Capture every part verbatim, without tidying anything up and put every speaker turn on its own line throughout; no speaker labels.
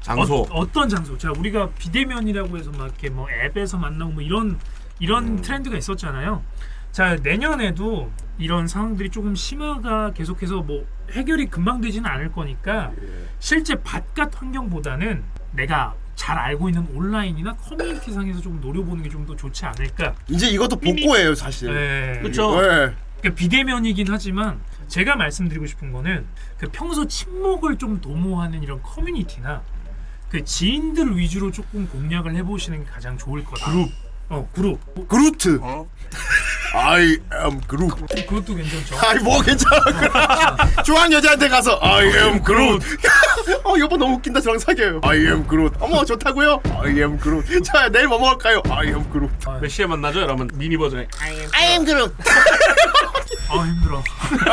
장소.
어, 어떤 장소? 자, 우리가 비대면이라고 해서 막 이렇게 뭐 앱에서 만나고 뭐 이런 이런
음.
트렌드가 있었잖아요. 자, 내년에도 이런 상황들이 조금 심화가 계속해서 뭐 해결이 금방 되지는 않을 거니까
예.
실제 바깥 환경보다는 내가 잘 알고 있는 온라인이나 커뮤니티 상에서 좀 노려보는 게 좀 더 좋지 않을까.
이제 이것도 복고예요 사실.
네.
그렇죠.
네.
그러니까 비대면이긴 하지만 제가 말씀드리고 싶은 거는 그 평소 친목을 좀 도모하는 이런 커뮤니티나 그 지인들 위주로 조금 공략을 해보시는 게 가장 좋을 거다.
그룹.
어, 그룹.
그루트.
어?
I am 그룹.
그것도 괜찮죠.
아이 뭐 괜찮아. 좋아하는 여자한테 가서 I am 그룹. 어 여보 너무 웃긴다. 저랑 사귀어요. I am 그룹. 어머 좋다고요? I am 그룹. 자 내일 뭐 먹을까요? I am 그룹.
몇 시에 만나죠? 이러면 미니 버전에
I am 그룹.
아 힘들어.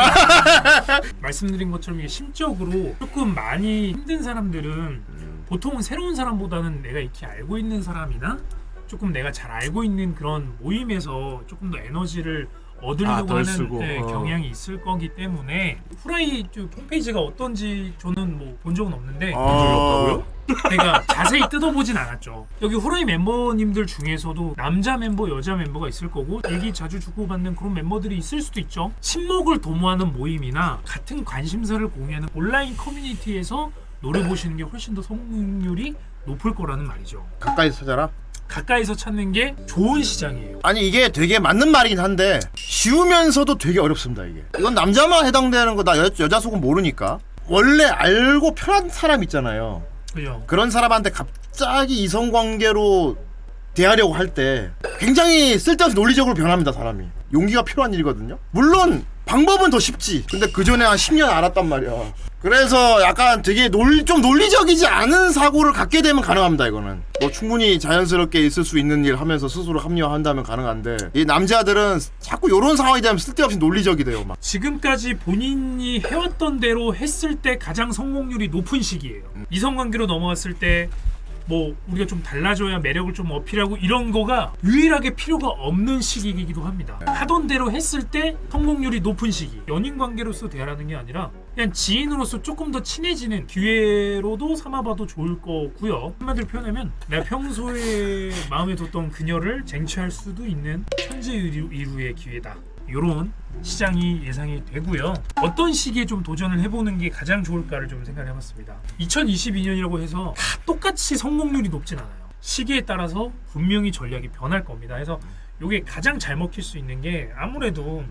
말씀드린 것처럼 이게 심적으로 조금 많이 힘든 사람들은 보통은 새로운 사람보다는 내가 이렇게 알고 있는 사람이나 조금 내가 잘 알고 있는 그런 모임에서 조금 더 에너지를 얻으려고
아, 덜
하는
쓰고.
네,
어.
경향이 있을 거기 때문에 후라이 홈페이지가 어떤지 저는 뭐 본 적은 없는데
아...
제가 자세히 뜯어보진 않았죠. 여기 후라이 멤버님들 중에서도 남자 멤버, 여자 멤버가 있을 거고 얘기 자주 주고받는 그런 멤버들이 있을 수도 있죠. 친목을 도모하는 모임이나 같은 관심사를 공유하는 온라인 커뮤니티에서 노려보시는 게 훨씬 더 성공률이 높을 거라는 말이죠.
가까이서 찾아라.
가까이서 찾는 게 좋은 시장이에요.
아니 이게 되게 맞는 말이긴 한데 쉬우면서도 되게 어렵습니다 이게. 이건 남자만 해당되는 거다. 여자 속은 모르니까. 원래 알고 편한 사람 있잖아요.
그죠?
그런 사람한테 갑자기 이성관계로 대하려고 할 때 굉장히 쓸데없이 논리적으로 변합니다 사람이. 용기가 필요한 일이거든요. 물론 방법은 더 쉽지. 근데 그 전에 한 십 년 알았단 말이야. 그래서 약간 되게 논, 좀 논리적이지 않은 사고를 갖게 되면 가능합니다 이거는. 뭐 충분히 자연스럽게 있을 수 있는 일 하면서 스스로 합리화한다면 가능한데 이 남자들은 자꾸 이런 상황이 되면 쓸데없이 논리적이 돼요 막.
지금까지 본인이 해왔던 대로 했을 때 가장 성공률이 높은 시기예요.
음.
이성관계로 넘어갔을 때 뭐 우리가 좀 달라져야 매력을 좀 어필하고 이런 거가 유일하게 필요가 없는 시기이기도 합니다.
네.
하던 대로 했을 때 성공률이 높은 시기. 연인 관계로서 대하라는 게 아니라 그냥 지인으로서 조금 더 친해지는 기회로도 삼아봐도 좋을 거고요. 한마디로 표현하면 내가 평소에 마음에 뒀던 그녀를 쟁취할 수도 있는 천재 이루의 기회다. 요런 시장이 예상이 되고요. 어떤 시기에 좀 도전을 해보는 게 가장 좋을까를 좀 생각해봤습니다. 이천이십이 년이라고 해서 다 똑같이 성공률이 높진 않아요. 시기에 따라서 분명히 전략이 변할 겁니다. 그래서 이게 가장 잘 먹힐 수 있는 게 아무래도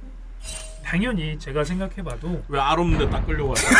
당연히 제가 생각해봐도
왜 알 없는데 딱 끌려고 하죠?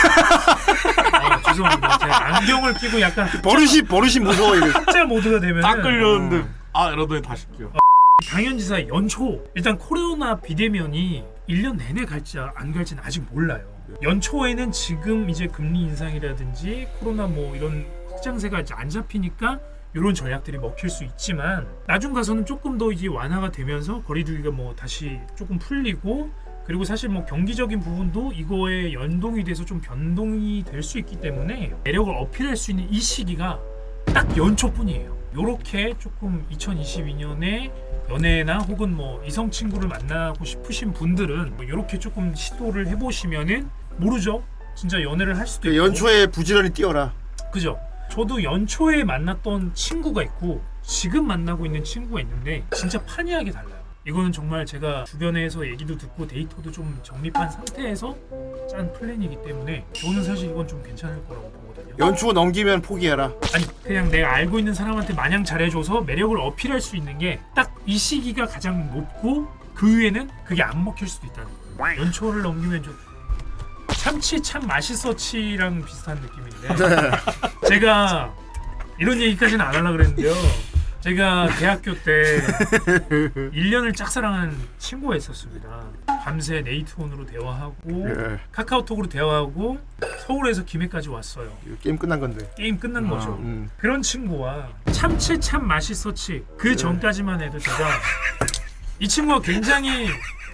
아, 죄송합니다. 제가 안경을 끼고 약간
버릇이 버릇이 무서워 이게.
흑자 모드가 되면
딱 끌렸는데 아 이러더니 다시 껴.
당연지사 연초 일단 코로나 비대면이 일 년 내내 갈지 안 갈지는 아직 몰라요. 연초에는 지금 이제 금리 인상이라든지 코로나 뭐 이런 확장세가 이제 안 잡히니까 이런 전략들이 먹힐 수 있지만 나중 가서는 조금 더 이제 완화가 되면서 거리두기가 뭐 다시 조금 풀리고 그리고 사실 뭐 경기적인 부분도 이거에 연동이 돼서 좀 변동이 될 수 있기 때문에 매력을 어필할 수 있는 이 시기가 딱 연초뿐이에요. 요렇게 조금 이천이십이 년에 연애나 혹은 뭐 이성 친구를 만나고 싶으신 분들은 뭐 이렇게 조금 시도를 해보시면은 모르죠. 진짜 연애를 할 수도 있고.
연초에 부지런히 뛰어라.
그죠. 저도 연초에 만났던 친구가 있고 지금 만나고 있는 친구가 있는데 진짜 판이하게 달라요. 이거는 정말 제가 주변에서 얘기도 듣고 데이터도 좀 정립한 상태에서 짠 플랜이기 때문에 저는 사실 이건 좀 괜찮을 거라고 보거든요.
연초 넘기면 포기해라.
아니 그냥 내가 알고 있는 사람한테 마냥 잘해줘서 매력을 어필할 수 있는 게 딱 이 시기가 가장 높고 그 위에는 그게 안 먹힐 수도 있다는 거예요. 연초를 넘기면 좀 참치 참 맛있어치랑 비슷한 느낌인데 제가 이런 얘기까지는 안 하려고 그랬는데요. 제가 대학교 때 일 년을 짝사랑한 친구가 있었습니다. 밤새 네이트온으로 대화하고
예.
카카오톡으로 대화하고 서울에서 김해까지 왔어요.
게임 끝난 건데.
게임 끝난
아,
거죠.
음.
그런 친구와 참치 참 맛있었지 그 전까지만 해도 제가 이 친구가 굉장히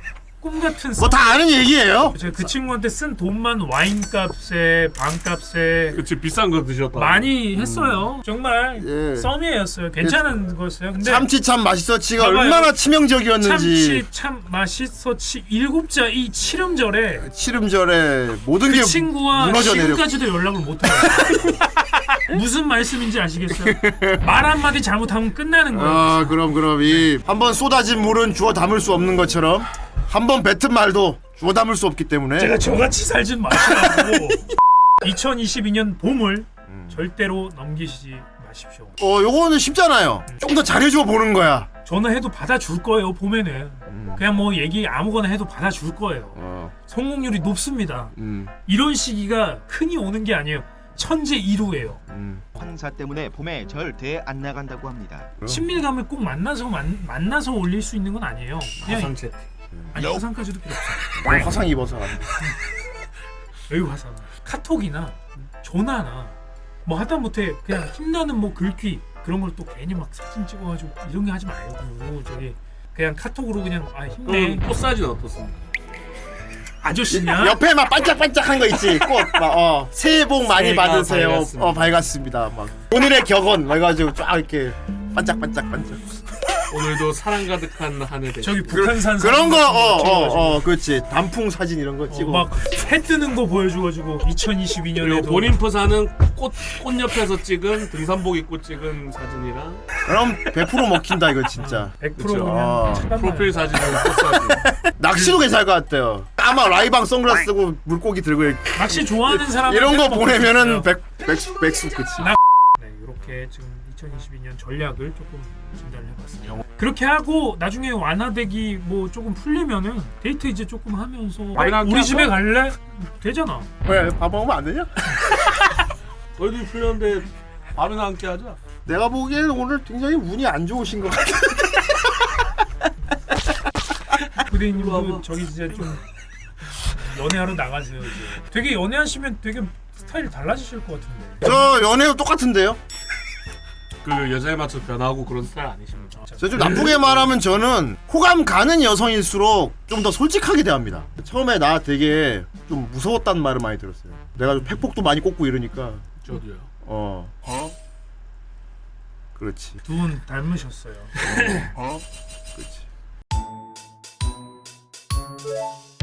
꿈 같은
뭐 다 아는 얘기예요.
제가 그 친구한테 쓴 돈만 와인값에 방값에
그치 비싼 거 드셨다.
많이 했어요. 정말
예.
썸이었어요. 괜찮은 거였어요. 근데
참치 참 맛있었지가
봐봐요.
얼마나 치명적이었는지.
참치 참 맛있었지 일곱자 이 칠음절에
치름절에 모든
그
게
친구와
무너져 내려.
지금까지도 연락을 못해요. 무슨 말씀인지 아시겠어요? 말 한마디 잘못하면 끝나는 거예요.
아 그럼 그럼 이 한번 쏟아진 물은 주워 담을 수 없는 것처럼 한번 뱉은 말도 주워 담을 수 없기 때문에
제가 저같이 살진 마시라고. 이천이십이 년 봄을 절대로 넘기시지 마십시오.
어 요거는 쉽잖아요. 좀 더 잘해줘 보는 거야.
전화해도 받아줄 거예요. 봄에는
음.
그냥 뭐 얘기 아무거나 해도 받아줄 거예요.
어,
성공률이 높습니다.
음,
이런 시기가 흔히 오는 게 아니에요. 천재 일후예요.
음.
황사 때문에 봄에 절대 안 나간다고 합니다.
친밀감을 꼭 만나서 만, 만나서 올릴 수 있는 건 아니에요. 그냥
화상 채팅.
아니 화상까지도 필요 없어요.
뭐 화상 입어서
여기 화상. 카톡이나 전화나 뭐 하다못해 그냥 힘나는 뭐 글귀 그런 걸 또 괜히 막 사진 찍어가지고 이런 거 하지 말고 저기 그냥 카톡으로 그냥 아 힘내
그럼 꽃 사진 어떻습니까?
아저씨냐?
옆에 막 반짝반짝한 거 있지. 꽃막어 새해 복 많이
새해가
받으세요.
밝았습니다.
어 밝았습니다. 막 오늘의 격언 막 해가지고 쫙 이렇게 반짝반짝 반짝.
오늘도 사랑 가득한 한 해 되시.
저기 북한산
그런 거 어
사진
어
같은 거
어 그렇지. 단풍 사진 이런 거 찍어.
막해 뜨는 거 보여줘가지고 이천이십이
그리고
년에도
본인 프사는 꽃, 꽃 옆에서 찍은 등산복 입고 찍은 사진이랑
그럼 백 퍼센트 먹힌다 이거 진짜.
백 퍼센트
그쵸.
그냥
아,
잠깐만.
프로필 사진은 꽃 사진.
낚시도 괜찮을 것 같아요. 까마 라이방 선글라스 쓰고 물고기 들고 이렇게.
낚시 좋아하는 사람
이런 거 보내면은 백 백수 백수 그치.
네, 이렇게 지금 이천이십이 년 전략을 조금 진단을 해봤습니다. 그렇게 하고 나중에 완화되기 뭐 조금 풀리면은 데이트 이제 조금 하면서
밥이나 함께
우리 집에
하고?
갈래? 되잖아.
왜 밥 먹으면 안 되냐?
너희들이 풀렸는데 밥이나 함께 하자.
내가 보기에는 오늘 굉장히 운이 안 좋으신 것 같아.
부대님도
봐봐.
저기 진짜 좀 연애하러 나가세요 이제. 되게 연애하시면 되게 스타일이 달라지실 것 같은데.
저 연애도 똑같은데요.
그 여자에 맞춰 변하고 그런 스타일 아니십니까?
저 좀 나쁘게 말하면 저는 호감 가는 여성일수록 좀 더 솔직하게 대합니다. 처음에 나 되게 좀 무서웠다는 말을 많이 들었어요. 내가 좀 팩폭도 많이 꽂고 이러니까
저도요.
어
어?
그렇지.
두 분 닮으셨어요.
어 그렇지.